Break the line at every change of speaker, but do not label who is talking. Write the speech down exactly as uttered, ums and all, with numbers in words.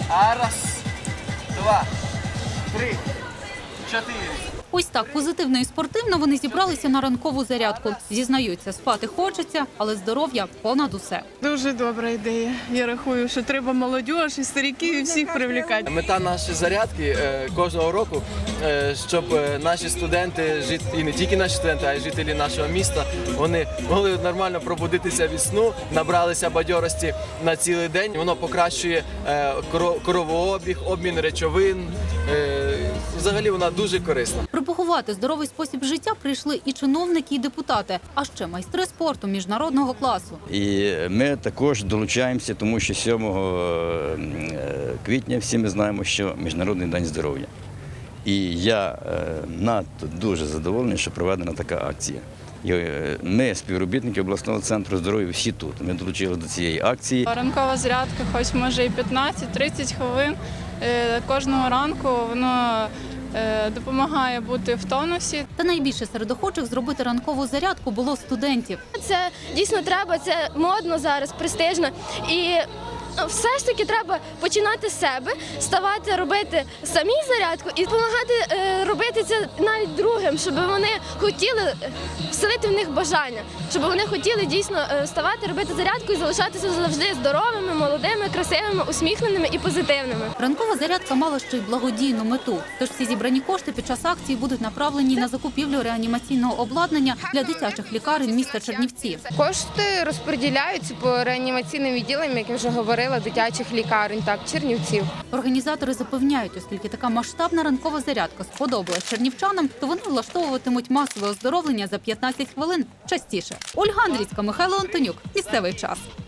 А раз, два, три, чотири.
Ось так позитивно і спортивно вони зібралися на ранкову зарядку. Зізнаються, спати хочеться, але здоров'я понад усе.
Дуже добра ідея. Я рахую, що треба молодь і стариків і всіх привлекати.
Мета нашої зарядки е, кожного року, е, щоб е, наші студенти, жит- і не тільки наші студенти, а й жителі нашого міста, вони могли нормально пробудитися від сну, набралися бадьорості на цілий день. Воно покращує е, коро- кровообіг, обмін речовин. Е, Взагалі вона дуже корисна.
Пропагувати здоровий спосіб життя прийшли і чиновники, і депутати, а ще майстри спорту міжнародного класу.
І ми також долучаємося, тому що сьомого квітня всі ми знаємо, що Міжнародний день здоров'я. І я е, надто дуже задоволений, що проведена така акція. І, е, Ми, співробітники обласного центру здоров'я, всі тут. Ми долучилися до цієї акції.
Ранкова зарядка, хоч може і п'ятнадцять-тридцять хвилин е, кожного ранку, воно е, допомагає бути в тонусі.
Та найбільше серед охочих зробити ранкову зарядку було студентів.
Це дійсно треба, це модно зараз, престижно. І все ж таки треба починати з себе, ставати, робити самі зарядку і допомагати е, робити це навіть другим, щоб вони хотіли е, вселити в них бажання, щоб вони хотіли дійсно е, вставати, робити зарядку і залишатися завжди здоровими, молодими, красивими, усміхненими і позитивними.
Ранкова зарядка мала ще й благодійну мету. Тож всі зібрані кошти під час акції будуть направлені на закупівлю реанімаційного обладнання для дитячих лікарень міста Чернівці.
Кошти розподіляються по реанімаційним відділам, як я вже говорила, дитячих лікарень, так, Чернівців.
Організатори запевняють, оскільки така масштабна ранкова зарядка сподобалась чернівчанам, то вони влаштовуватимуть масове оздоровлення за п'ятнадцять хвилин частіше. Ольга Андрійська, Михайло Антонюк. Місцевий час.